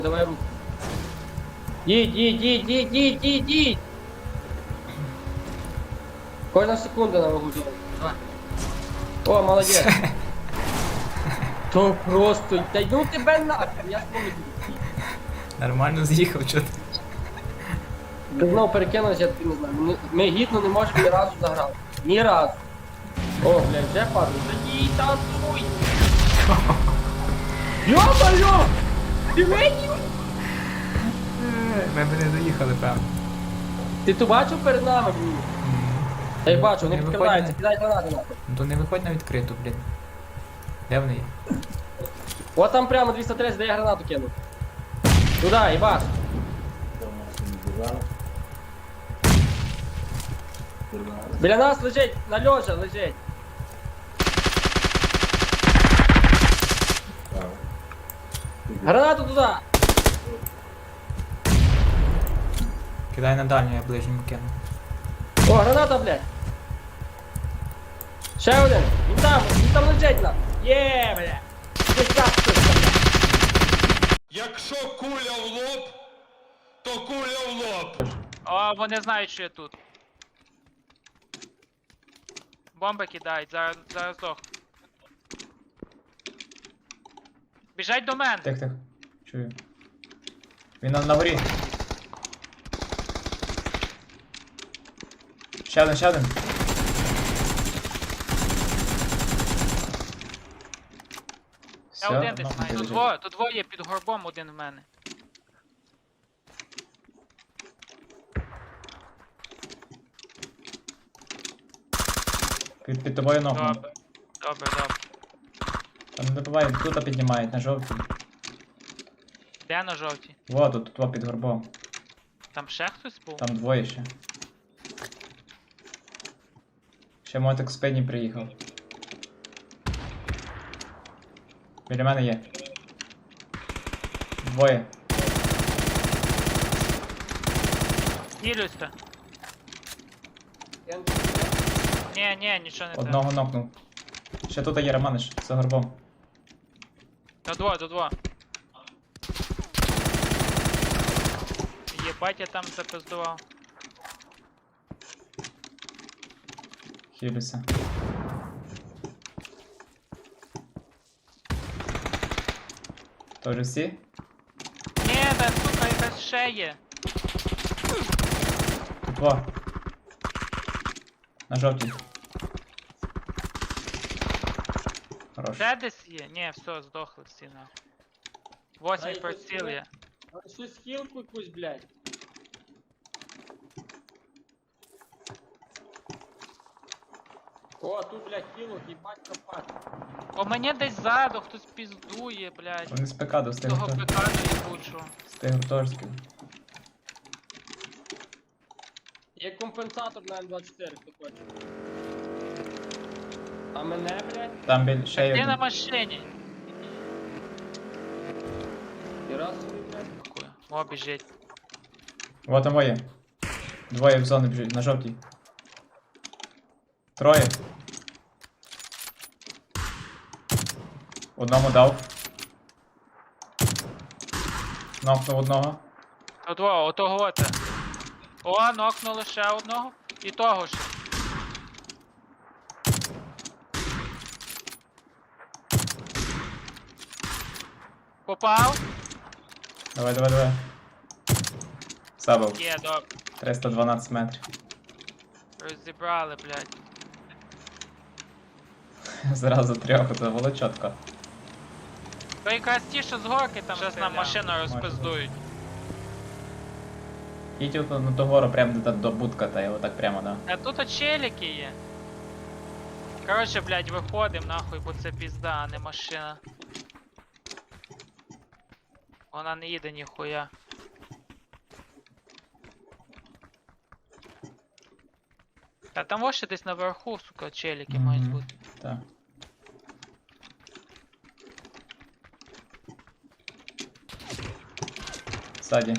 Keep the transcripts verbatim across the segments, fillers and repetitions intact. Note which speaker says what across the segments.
Speaker 1: Давай руку. Їдь, їдь, їдь, їдь, їдь, їдь, їдь. Кожна секунда на вагу зону. Давай. О, молодець. То просто, та ну тебе нахер, я ж помню.
Speaker 2: Нормально з'їхав, чого ти?
Speaker 1: Ти знову перекинувся, я тобі не знаю. Ми, ми гідно не можемо ні разу заграти. Ні разу. О, блядь, де падає? Та їй танцуй! Йо-моє! Ти видів?
Speaker 2: Ми б не доїхали, певно.
Speaker 1: Ти то бачив перед нами, блін? Я їх бачу, вони
Speaker 2: Не
Speaker 1: підкрадаються,
Speaker 2: виходь
Speaker 1: кидай гранати нахуй.
Speaker 2: Ну то не виходь на відкриту, блін. Де вони є?
Speaker 1: От там прямо двісті тридцять, де я гранату кинув. Туда, їбаш. Біля нас лежить, на льожа лежить. Гранату туди.
Speaker 2: Кидай на дальню, я ближньому кину.
Speaker 1: О, граната, блядь. Ще один. Він там, він там лежить на. Є, блядь. Десь так хтось там.
Speaker 3: Якщо куля в лоб, то куля в лоб.
Speaker 4: О, вони знають, що я тут. Бомби кидають, зараз, зараз здох. Біжать до мене.
Speaker 2: Тих, тих. Чую. Він на, на горі. Ще один, ще один.
Speaker 4: Я
Speaker 2: Всьо,
Speaker 4: один десь
Speaker 2: нахуй
Speaker 4: маю. Тут
Speaker 2: біжить.
Speaker 4: двоє, тут двоє під горбом, один в мене.
Speaker 2: Під, під тобою ногу.
Speaker 4: Добре. Добре, добре.
Speaker 2: Там не добивай, тут піднімають, на жовтій.
Speaker 4: Де на жовтій?
Speaker 2: Во, тут, тут, во, під горбом.
Speaker 4: Там ще хтось був?
Speaker 2: Там двоє ще. Ще мотик з пені приїхав. Біля мене є. Двоє.
Speaker 4: Ділюся. Ні, ні, нічого не треба.
Speaker 2: Одного нокнув. Ще тут є Романиш, за горбом.
Speaker 4: До двоє, до двоє. Єбать, я там запиздував.
Speaker 2: Хілюся. Тоже всі?
Speaker 4: Ні, та сука, якась ще є.
Speaker 2: Тут во. На жовтій. Хорош.
Speaker 4: Ще десь є? Ні, все, здохли всі нахуй. Восьмий
Speaker 1: Ай,
Speaker 4: приціл є.
Speaker 1: А щось хілку якусь, блядь. О, тут, блядь, хілок, їбать копати.
Speaker 4: О, мені десь ззаду хтось піздує, блядь.
Speaker 2: Вони з ПК достигли.
Speaker 4: Того пекану їбучого.
Speaker 2: З тих гуртожитків.
Speaker 1: Є компенсатор на М двадцять чотири, хто хоче. А мене, блядь,
Speaker 2: Там біль ще є
Speaker 4: Ти на
Speaker 2: один.
Speaker 4: машині.
Speaker 1: і раз собі, блядь.
Speaker 4: Дякую. О, біжить.
Speaker 2: Вот там є. Двоє в зону біжуть, на жовтій. Троє. Одному дав. Нокнув одного.
Speaker 4: От во, отого оте. О, нокнули ще одного. І того ще. Попав?
Speaker 2: Давай, давай, давай. Забив.
Speaker 4: Є, добре.
Speaker 2: триста дванадцять метрів.
Speaker 4: Розібрали, блядь.
Speaker 2: Зразу трьох, це було чітко.
Speaker 4: То якраз ті, що з горки там щас нам машину розпиздують.
Speaker 2: Їдь от на ту гору прямо до, до будка, та його так прямо, да.
Speaker 4: А тут от челіки є. Коротше, блядь, виходим нахуй, бо це пізда, а не машина. Вона не їде ніхуя. А там ось ще десь наверху, сука, челіки
Speaker 2: Мгм.
Speaker 4: мають бути.
Speaker 2: Так. Ззаді.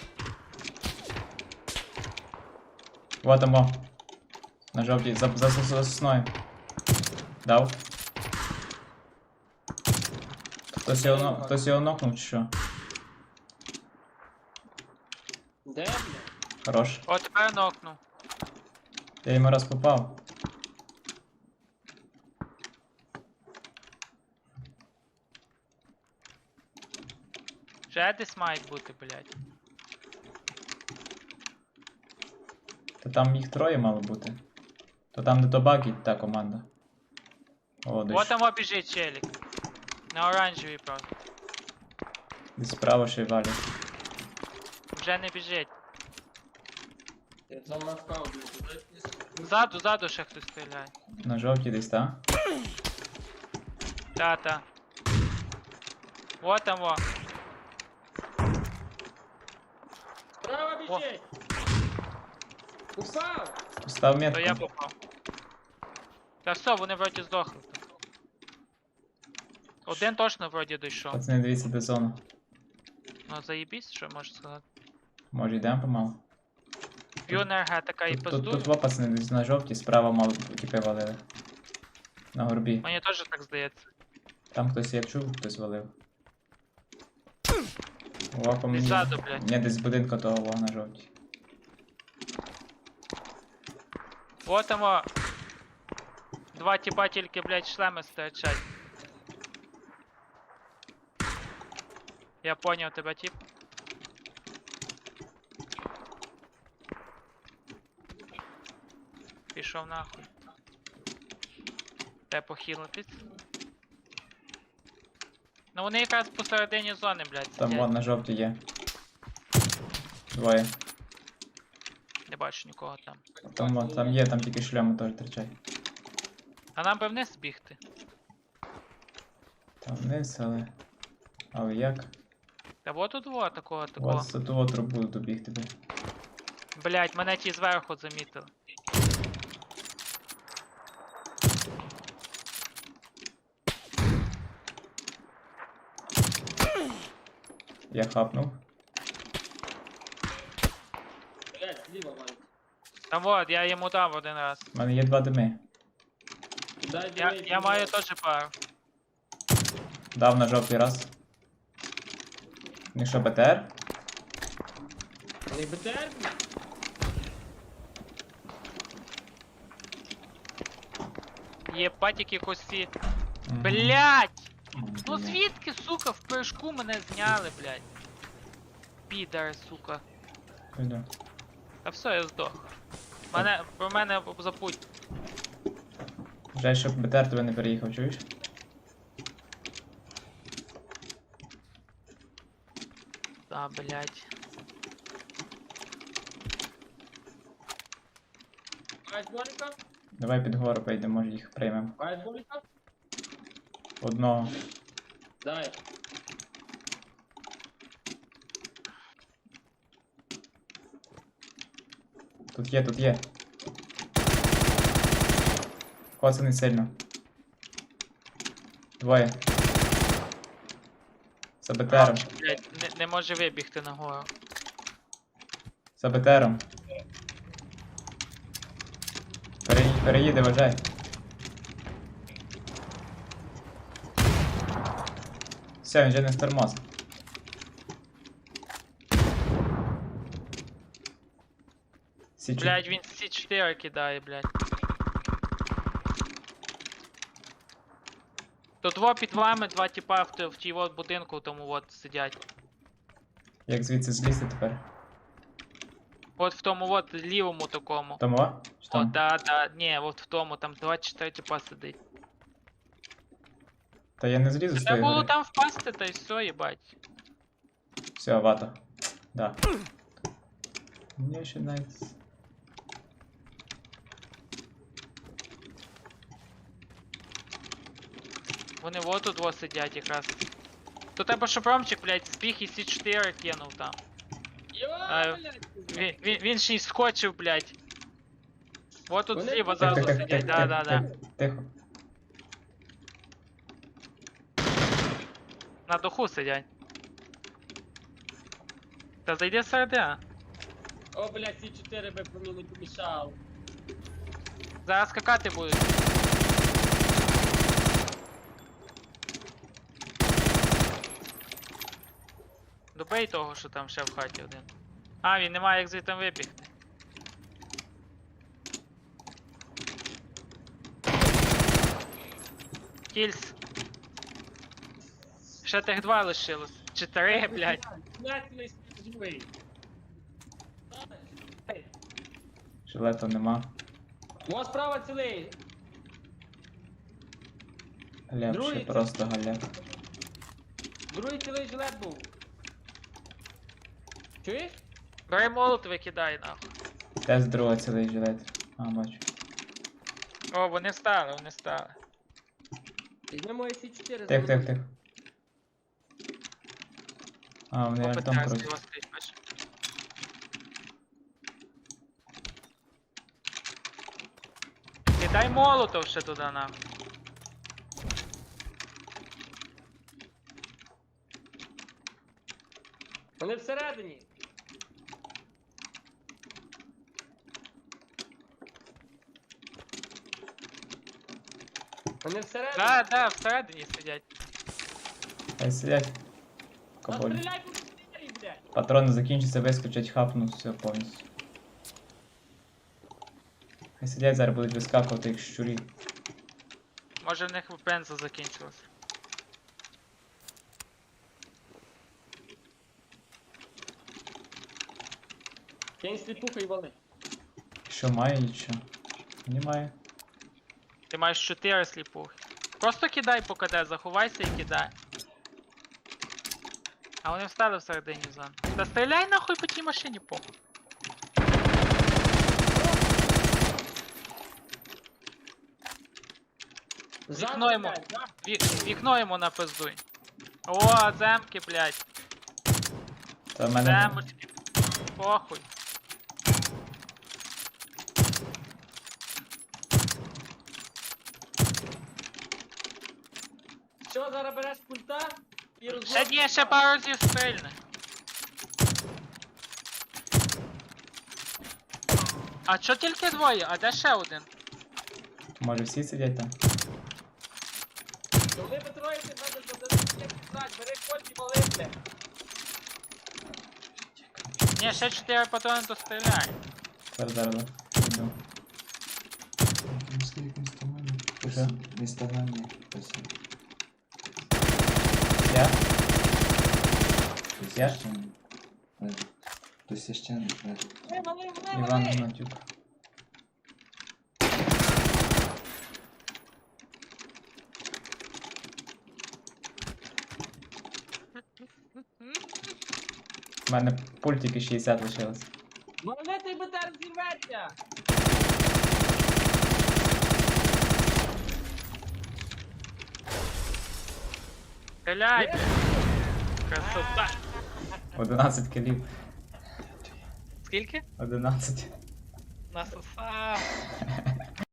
Speaker 2: Вот там во. На жовтій, за, за, за, за сосною. Дав. Хтось його, но- хтось його нокнув чи що?
Speaker 1: Де, блядь?
Speaker 2: Хорош.
Speaker 4: О, тепер нокнув.
Speaker 2: Я йому раз попав.
Speaker 4: Ще десь мають бути, блядь.
Speaker 2: Та там їх троє мало бути. То там де то багі та команда. О, десь,
Speaker 4: Вот там біжить челік. На оранжевій, правда.
Speaker 2: десь справа ще й валять.
Speaker 4: Вже не біжить.
Speaker 1: Я там навкав, блядь. Дай мені
Speaker 4: Ззаду, ззаду ще хтось стріляє.
Speaker 2: На жовтій десь, та?
Speaker 4: Та-та. Вот там во.
Speaker 1: Справа біжить! Упав!
Speaker 2: Постав
Speaker 4: То я
Speaker 2: метку.
Speaker 4: попав. Та все, вони вроді здохли. Один точно вроді дійшов.
Speaker 2: Пацани, дивіться, де зона.
Speaker 4: Ну заєбісь, що можеш сказати.
Speaker 2: Може йдемо помалу?
Speaker 4: П'ю енергетика і
Speaker 2: Тут, тут,
Speaker 4: пиздую.
Speaker 2: тут два пацани десь на жовтій, справа мало тіпи валили. На горбі.
Speaker 4: Мені теж так здається.
Speaker 2: Там хтось, я чув, хтось валив. О, по мені.
Speaker 4: Десь ззаду, блядь.
Speaker 2: Ні, десь з будинку того во, на жовтій.
Speaker 4: Вот там во. Два тіпа тільки, блядь, шлеми стирчать. Я поняв тебе, тип. Пішов нахуй. Де похилитись? Ну вони якраз посередині зони, блядь,
Speaker 2: Там
Speaker 4: сидять.
Speaker 2: вон на жовтій є. Двоє.
Speaker 4: Не бачу нікого там.
Speaker 2: Там, вон, там є, там тільки шльоми теж тричать.
Speaker 4: А нам би вниз бігти.
Speaker 2: Там вниз, але. Але як?
Speaker 4: Та вот тут во такого такого.
Speaker 2: От за ту трубу добігти би.
Speaker 4: Блять, мене ті зверху замітили.
Speaker 2: Я хапнув.
Speaker 1: Блядь, зліва валить.
Speaker 4: Там вот, я йому дав один раз.
Speaker 2: У мене є два дими.
Speaker 1: Дай
Speaker 4: Я,
Speaker 1: дивись,
Speaker 4: я маю теж пару.
Speaker 2: Дав на жовтий раз. Ну що, БТР?
Speaker 1: Не БТР, блядь?
Speaker 4: Єбать, які кості.
Speaker 2: Мгм.
Speaker 4: Блять! Ну
Speaker 2: Блядь.
Speaker 4: звідки, сука, в прыжку мене зняли, блять. Підари, сука.
Speaker 2: Іду.
Speaker 4: Та все, я здох. Мене, про мене забудь.
Speaker 2: Жаль, щоб БТР тебе не переїхав, чуєш?
Speaker 4: Та, блять.
Speaker 1: Маєш боліка?
Speaker 2: Давай під гору поїдемо, може їх приймемо.
Speaker 1: Маєш боліка?
Speaker 2: Одного.
Speaker 1: Дай.
Speaker 2: Тут є, тут є. Коцаний сильно. Двоє. За БТРом.
Speaker 4: Блять, не, не може вибігти нагору.
Speaker 2: За БТРом. Переї... Переїде, вважай. Все, він вже не стормоз. Січу.
Speaker 4: Блять, він сі чотири кидає, блять. Тут во під вами два тіпа в, т- в тій от будинку, тому от сидять.
Speaker 2: Як звідси злізти тепер?
Speaker 4: От в тому от лівому такому.
Speaker 2: Тому? о? Чи
Speaker 4: О,
Speaker 2: там?
Speaker 4: да, да, ні, от в тому, там двадцять чотири тіпа сидить.
Speaker 2: Та я не злізу з
Speaker 4: Треба
Speaker 2: тої
Speaker 4: було
Speaker 2: гори.
Speaker 4: там впасти, та й все, їбать.
Speaker 2: Все, вата. Да. Мені ще навіть...
Speaker 4: Вони вот тут во сидять якраз. То треба, щоб Ромчик, блядь, збіг і сі чотири кинув там.
Speaker 1: Йо,
Speaker 4: А,
Speaker 1: блядь.
Speaker 4: Він, він, він ще й скочив, блядь. Вот тут
Speaker 1: Вони
Speaker 4: зліва
Speaker 1: тут-
Speaker 4: зразу
Speaker 2: Тихо, тихо,
Speaker 4: сидять,
Speaker 2: тихо,
Speaker 4: да, да, да.
Speaker 2: тихо, тихо.
Speaker 4: На духу сидять. Та зайди середина.
Speaker 1: О, блядь, сі чотири би по мені не помішав.
Speaker 4: Зараз скакати будуть. Добей того, що там ще в хаті один. А, він не має як звідти вибігти. Кільс. Ще тих два лишилось. Чи три, блядь.
Speaker 1: Націлий живий.
Speaker 2: Жилета нема.
Speaker 1: О, справа цілий.
Speaker 2: Галеп, ще
Speaker 1: Другий.
Speaker 2: просто галеп.
Speaker 1: Другий цілий жилет був. Чуєш?
Speaker 4: Бери молот, викидай нахуй.
Speaker 2: Де з другого цілий жилет? А, бачу.
Speaker 4: О, вони стали, вони стали.
Speaker 1: Візьмемо Сі чотири.
Speaker 2: Тих, тих, тих. А, вони артом
Speaker 4: Попитаюсь
Speaker 2: круть.
Speaker 4: його стоїть, бачиш. Кидай молотов ще туди нахуй.
Speaker 1: Вони всередині. Вони всередині.
Speaker 4: Да, да, всередині сидять.
Speaker 2: Хай сидять.
Speaker 1: Та
Speaker 2: Каболі.
Speaker 1: стріляй по двері, блядь.
Speaker 2: Патрони закінчаться, вискочать, хапнуть, все повністю. Хай сидять, зараз будуть вискакувати як щурі.
Speaker 4: Може в них бензо закінчилось.
Speaker 1: Кинь сліпуху і вали.
Speaker 2: Що має, нічого. Немає.
Speaker 4: Ти маєш чотири сліпухи. Просто кидай по КД, заховайся і кидай. А вони встали всередині зони. Та стріляй нахуй по тій машині, похуй. Вікно йому.
Speaker 1: блядь, да?
Speaker 4: Вік- Вікно йому напиздуй. О, земки, блядь.
Speaker 2: Та в мене.
Speaker 4: Земочки. Похуй.
Speaker 1: Що, зараз береш пульта і
Speaker 4: Ще
Speaker 1: розлог?
Speaker 4: ні, ще пару разів стрільне. А чо тільки двоє? А де ще один?
Speaker 2: Може всі сидять там?
Speaker 1: Вони потроїться, треба задати, бери кольт і вали, блядь.
Speaker 4: Ні, ще чотири патрони то стріляє.
Speaker 2: Зараз, зараз, зараз. Йду. Що?
Speaker 5: Інстаграмі.
Speaker 2: Я? Я?
Speaker 5: То священник.
Speaker 1: Вали, вали, вали,
Speaker 2: Іван
Speaker 1: вали.
Speaker 2: Гнатюк. У мене пультики шістдесят лишилось.
Speaker 1: Вали, той БТР зірветься.
Speaker 4: Стріляй, блядь. Красота.
Speaker 2: одинадцять кілів.
Speaker 4: Скільки?
Speaker 2: одинадцять.
Speaker 4: Насосав.